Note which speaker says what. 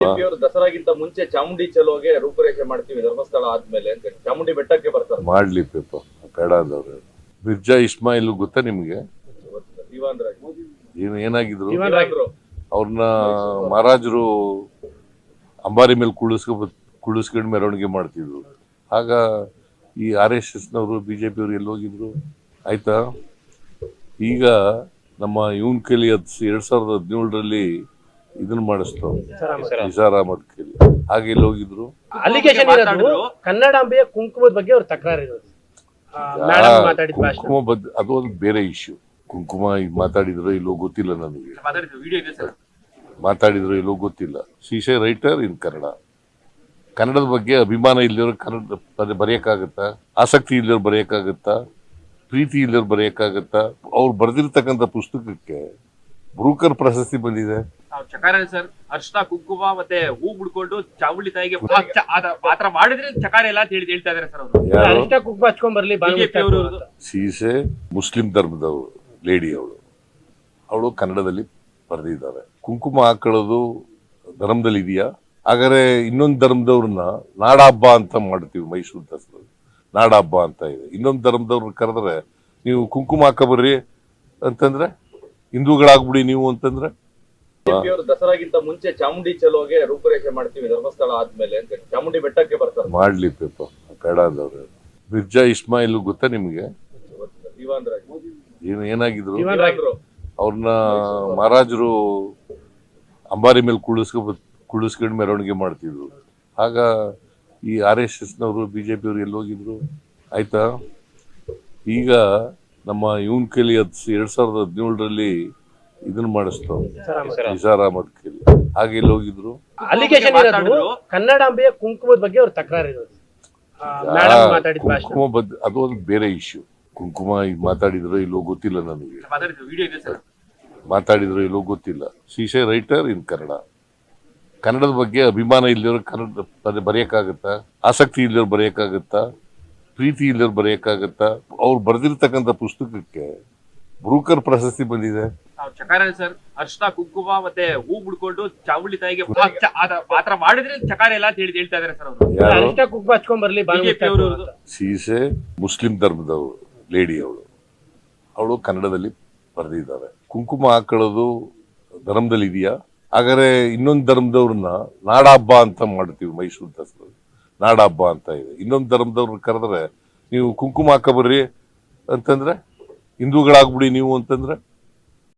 Speaker 1: ಬಿಜೆಪಿಯವರು ದಸರಾಗಿಂತ ಮುಂಚೆ ಚಾಮುಂಡಿ ಚಲೋಗೆ ರೂಪುರೇಷೆ ಮಾಡ್ತೀವಿ ಧರ್ಮಸ್ಥಳ ಆದ್ಮೇಲೆ ಅಂತ ಚಾಮುಂಡಿ ಬೆಟ್ಟಕ್ಕೆ ಬರ್ತಾರೆ.
Speaker 2: ಮಾಡ್ಲಿ ಪೇಪ ಬೇಡ ಅಂದವ್ರು. ಮಿರ್ಜಾ ಇಸ್ಮಾಯಿಲ್ ಗೊತ್ತಾ ನಿಮ್ಗೆ? ಏನಾಗಿದ್ರು ಅವ್ರನ್ನ ಮಹಾರಾಜರು ಅಂಬಾರಿ ಮೇಲೆ ಕುಳಿಸ್ಕೊಂಡು ಮೆರವಣಿಗೆ ಮಾಡ್ತಿದ್ರು. ಆಗ ಈ RSS ನವರು ಬಿಜೆಪಿಯವರು ಎಲ್ಲಿ ಹೋಗಿದ್ರು? ಆಯ್ತಾ, ಈಗ ನಮ್ಮ ಇವನ್ ಕೈಲಿ 2017ರಲ್ಲಿ ಇದನ್ನ ಮಾಡಿಸ್ತಾವ್ ನಿಸಾರ್ ಅಹಮದ್ ಕೈಲಿ. ಹಾಗೆ ಎಲ್ಲಿ ಹೋಗಿದ್ರು?
Speaker 3: ಕನ್ನಡಾಂಬೆಯ ಕುಂಕುಮದ ಬಗ್ಗೆ ಅವ್ರ ತಕರಾರು ಇರೋದು.
Speaker 2: ಕುಂಕುಮ ಅದು ಒಂದು ಬೇರೆ ಇಶ್ಯೂ. ಕುಂಕುಮ ಮಾತಾಡಿದ್ರು ಇಲ್ಲೋ ಗೊತ್ತಿಲ್ಲ ನನಗೆ, ಮಾತಾಡಿದ್ರು ಇಲ್ಲೋ ಗೊತ್ತಿಲ್ಲ. ಶೀಶೆ ರೈಟರ್ ಇನ್ ಕನ್ನಡ. ಕನ್ನಡದ ಬಗ್ಗೆ ಅಭಿಮಾನ ಇಲ್ಲದವ್ರು ಕನ್ನಡ ಬರೆಯಕ್ಕಾಗತ್ತಾ? ಆಸಕ್ತಿ ಇಲ್ಲದವ್ರು ಬರೆಯಕ್ಕಾಗತ್ತಾ? ಪ್ರೀತಿ ಇಲ್ಲದವ್ರು ಬರೆಯಕ್ಕಾಗತ್ತಾ? ಅವ್ರು ಬರೆದಿರ್ತಕ್ಕಂಥ ಪುಸ್ತಕಕ್ಕೆ ಬ್ರೂಕರ್ ಪ್ರಶಸ್ತಿ ಬಂದಿದೆ.
Speaker 4: ಚಕಾರ ಸರ್, ಅರ್ಶನ ಕುಂಕುಮ ಮತ್ತೆ ಹೂ ಬಿಡ್ಕೊಂಡು ಚಾಮುಂಡಿ ತಾಯಿಗೆ ಆತರ ಮಾಡಿದ್ರೆ ಚಕಾರ ಎಲ್ಲ ಅಂತ ಹೇಳ್ತಾ ಇದಾರೆ ಸರ್ ಅವರು.
Speaker 3: ಅರ್ಶನ ಕುಂಕುಮ ಹಚ್ಕೊಂಡ್ ಬರ್ಲಿ.
Speaker 2: ಸೀಸೆ ಮುಸ್ಲಿಂ ಧರ್ಮದವರು ಲೇಡಿ, ಅವಳು ಕನ್ನಡದಲ್ಲಿ ಬರೆದಿದ್ದಾರೆ. ಕುಂಕುಮ ಹಾಕೊಳ್ಳೋದು ಧರ್ಮದಲ್ಲಿ ಇದೆಯಾ? ಹಾಗಾದ್ರೆ ಇನ್ನೊಂದು ಧರ್ಮದವ್ರನ್ನ ನಾಡ ಹಬ್ಬ ಅಂತ ಮಾಡ್ತೀವಿ. ಮೈಸೂರು ದಸರಾ ನಾಡ ಹಬ್ಬ ಅಂತ ಇದೆ. ಇನ್ನೊಂದು ಧರ್ಮದವ್ರನ್ನ ಕರೆದ್ರೆ ನೀವು ಕುಂಕುಮ ಹಾಕಬರ್ರಿ ಅಂತಂದ್ರೆ, ಹಿಂದೂಗಳಾಗ್ಬಿಡಿ ನೀವು ಅಂತಂದ್ರೆ.
Speaker 1: ಬಿಜೆಪಿಯವರು ದಸರಾಗಿಂತ ಮುಂಚೆ ಚಾಮುಂಡಿ ಚಲೋಗೆ ರೂಪುರೇಷೆ ಮಾಡ್ತೀವಿ ಧರ್ಮಸ್ಥಳ ಆದ್ಮೇಲೆ ಅಂತ ಚಾಮುಂಡಿ ಬೆಟ್ಟಕ್ಕೆ ಬರ್ತಾರೆ.
Speaker 2: ಮಾಡ್ಲಿ ಪೇಪ ಬೇಡ ಅಂದವ್ರು. ಮಿರ್ಜಾ ಇಸ್ಮಾಯಿಲ್ ಗೊತ್ತಾ ನಿಮ್ಗೆ? ಏನಾಗಿದ್ರು? ಅವ್ರನ್ನ ಮಹಾರಾಜರು ಅಂಬಾರಿ ಮೇಲೆ ಕುಳಿಸ್ಕೊಂಡು ಮೆರವಣಿಗೆ ಮಾಡ್ತಿದ್ರು. ಆಗ ಈ RSS ನವರು ಬಿಜೆಪಿಯವರು ಎಲ್ಲಿ ಹೋಗಿದ್ರು? ಆಯ್ತಾ, ಈಗ ನಮ್ಮ ಇವನ್ ಕೈಲಿ 2017ರಲ್ಲಿ ಇದನ್ನ ಮಾಡಿಸ್ತಾವ್ ನಿಸಾರ್ ಅಹಮದ್ ಕೈಲಿ. ಹಾಗೆ ಎಲ್ಲಿ ಹೋಗಿದ್ರು?
Speaker 3: ಕನ್ನಡಾಂಬೆಯ ಕುಂಕುಮದ ಬಗ್ಗೆ ಅವ್ರ ತಕರಾರು ಇರೋದು.
Speaker 2: ಕುಂಕುಮ ಅದು ಒಂದು ಬೇರೆ ಇಶ್ಯೂ. ಕುಂಕುಮ ಮಾತಾಡಿದ್ರು ಇಲ್ಲೋ ಗೊತ್ತಿಲ್ಲ ನನಗೆ, ಮಾತಾಡಿದ್ರು ಇಲ್ಲೋ ಗೊತ್ತಿಲ್ಲ. ಶೀಶೆ ರೈಟರ್ ಇನ್ ಕನ್ನಡ. ಕನ್ನಡದ ಬಗ್ಗೆ ಅಭಿಮಾನ ಇಲ್ಲದವ್ರು ಕನ್ನಡ ಬರೆಯಕ್ಕಾಗತ್ತಾ? ಆಸಕ್ತಿ ಇಲ್ಲದವ್ರು ಬರೆಯಕ್ಕಾಗತ್ತಾ? ಪ್ರೀತಿ ಇಲ್ಲದವ್ರು ಬರೆಯಕ್ಕಾಗತ್ತಾ? ಅವ್ರು ಬರೆದಿರ್ತಕ್ಕಂಥ ಪುಸ್ತಕಕ್ಕೆ ಬ್ರೂಕರ್ ಪ್ರಶಸ್ತಿ ಬಂದಿದೆ.
Speaker 4: ಚಕಾರ ಸರ್, ಅರ್ಶನ ಕುಂಕುಮ ಮತ್ತೆ ಹೂ ಬಿಡ್ಕೊಂಡು ಚಾಮುಂಡಿ ತಾಯಿಗೆ ಆತರ ಮಾಡಿದ್ರೆ ಚಕಾರ ಎಲ್ಲ ಅಂತ ಹೇಳ್ತಾ ಇದಾರೆ ಸರ್ ಅವರು.
Speaker 3: ಅರ್ಶನ ಕುಂಕುಮ ಹಚ್ಕೊಂಡ್ ಬರ್ಲಿ.
Speaker 2: ಸೀಸೆ ಮುಸ್ಲಿಂ ಧರ್ಮದವರು ಲೇಡಿ, ಅವಳು ಕನ್ನಡದಲ್ಲಿ ಬರೆದಿದ್ದಾರೆ. ಕುಂಕುಮ ಹಾಕೊಳ್ಳೋದು ಧರ್ಮದಲ್ಲಿ ಇದೆಯಾ? ಹಾಗಾದ್ರೆ ಇನ್ನೊಂದು ಧರ್ಮದವ್ರನ್ನ ನಾಡ ಹಬ್ಬ ಅಂತ ಮಾಡ್ತೀವಿ. ಮೈಸೂರು ದಸರಾ ನಾಡ ಹಬ್ಬ ಅಂತ ಇದೆ. ಇನ್ನೊಂದು ಧರ್ಮದವ್ರನ್ನ ಕರೆದ್ರೆ ನೀವು ಕುಂಕುಮ ಹಾಕಬರ್ರಿ ಅಂತಂದ್ರೆ, ಹಿಂದೂಗಳಾಗ್ಬಿಡಿ ನೀವು ಅಂತಂದ್ರೆ.